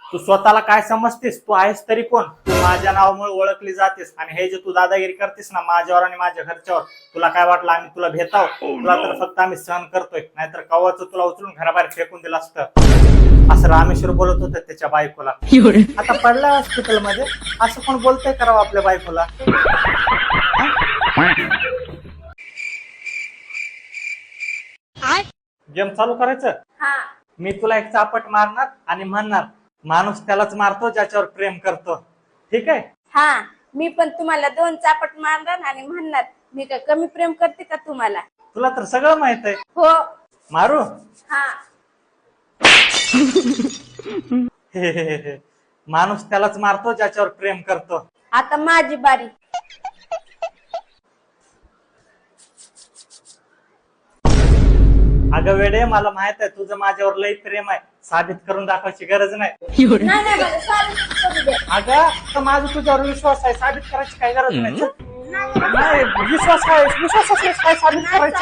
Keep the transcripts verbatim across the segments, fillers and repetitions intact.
तू स्वतःला काय समजतेस? तू आहेस तरी कोण? तू माझ्या नावामुळे ओळखली जातेस आणि हे जे तू दादागिरी करतेस ना माझ्यावर आणि माझ्या घरच्यावर, तुला काय वाटलं आम्ही तुला भेटाव? तुला तर फक्त आम्ही सहन करतोय, नाहीतर कवाच तुला उचलून घराबाहेर फेकून दिलं असतं. असं रामेश्वर बोलत होतं त्याच्या बायकोला. आता पडला हॉस्पिटल मध्ये, असं कोण बोलतंय करावं आपल्या बायकोला? गेम चालू करायचं? मी तुला एक चापट मारणार आणि म्हणणार, माणूस त्यालाच मारतो ज्याच्यावर प्रेम करतो. ठीक आहे? हा, मी पण तुम्हाला दोन चापट मारणार आणि म्हणणार, मी काय कमी प्रेम करते का तुम्हाला? तुला तर सगळं माहित आहे. हो. मारू? हा. माणूस त्यालाच मारतो ज्याच्यावर प्रेम करतो. आता माझी बारी. अगं वेडे, मला माहित आहे तुझं माझ्यावर लई प्रेम आहे, साबित करून दाखवायची गरज नाही. नाही नाही मला साबित करू द्या. अगं तर माझा तुझ्यावर विश्वास आहे, साबित करायची काही गरज नाही. चल. नाही, विश्वास आहे, विश्वास असल्यास काय साबित करायचं?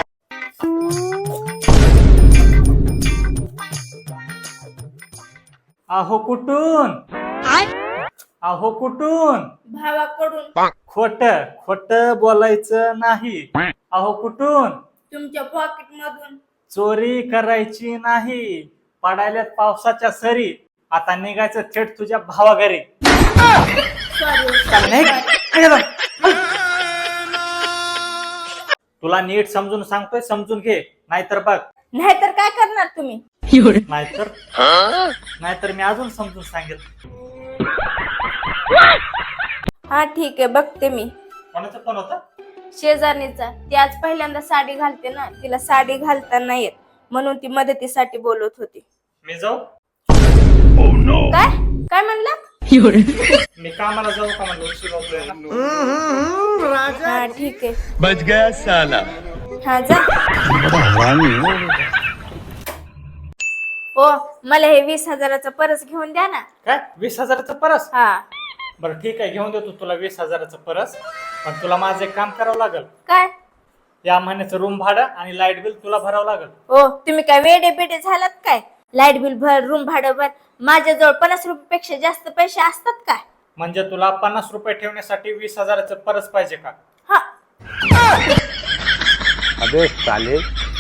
अहो कुठून? अहो कुठून? भावाकडून. खोट खोट बोलायचं नाही. अहो कुठून? तुमच्या पॉकेट मधून. चोरी करायची नाही. पडायल्यात पावसाच्या सरी, आता निघायचं थेट तुझ्या भावाघरी. तुला नीट समजून सांगतोय, समजून घे, नाहीतर बघ. नाहीतर काय करणार तुम्ही? नाहीतर नाहीतर मी अजून समजून सांगेल. हा ठीक आहे, बघते मी. कोणाचा फोन होता? शेजारणीचा. ती आज पहिल्यांदा साडी घालते ना, तिला साडी घालता नाही येत, म्हणून ती मदतीसाठी बोलत होती. मी जाऊ? काय काय म्हणला? मी कामाला जाऊ का? म्हणलं उशीर होतोय ना. हा ठीक आहे. बच गया साला. हा जा. हो, मला हे वीस हजाराचा परस घेऊन द्या ना. काय वीस हजाराचं परस? हा. बरं ठीक आहे, घेऊन देतो तुला वीस हजाराचं परस. पण तुला माझं एक काम करावं लागेल. काय? या महिन्याचं रूम भाडं आणि लाईट बिल तुला भरावं लागेल. हो, तुम्ही काय वेडे बेडे झालात काय? लाईट बिल भर, रूम भाडं भर. माझ्याजवळ पन्नास रुपयापेक्षा जास्त पैसे असतात काय? म्हणजे तुला पन्नास रुपये ठेवण्यासाठी वीस हजाराचं परस पाहिजे का? हा. अबे साले.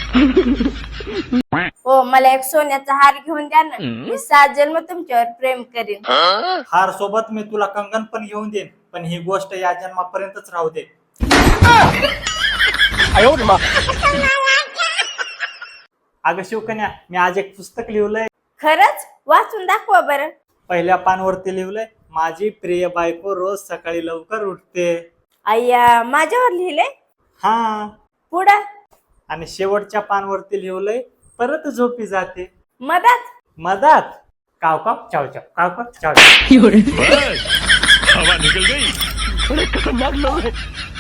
हो, मला एक सोन्याचा हार घेऊन द्या ना. मी सात जन्म तुमच्यावर प्रेम करीन. हार सोबत मी तुला कंगन पण घेऊन देईन, पण ही गोष्ट या जन्मापर्यंतच राहू दे. अगं शिवकन्या, मी आज एक पुस्तक लिहिलंय. खरंच? वाचून दाखवा बरं. पहिल्या पानवरती लिहिलंय, माझी प्रिय बायको रोज सकाळी लवकर उठते. अय्या, माझ्यावर लिहिलंय? हा. पुढं? आणि शेवटच्या पानवरती लिहिलंय, परत झोपी जाते. मधात? मधात काव काव चाव चाव, काव काव चाव चाव. हवा निकल गई. बड़े खतरनाक लोग हैं.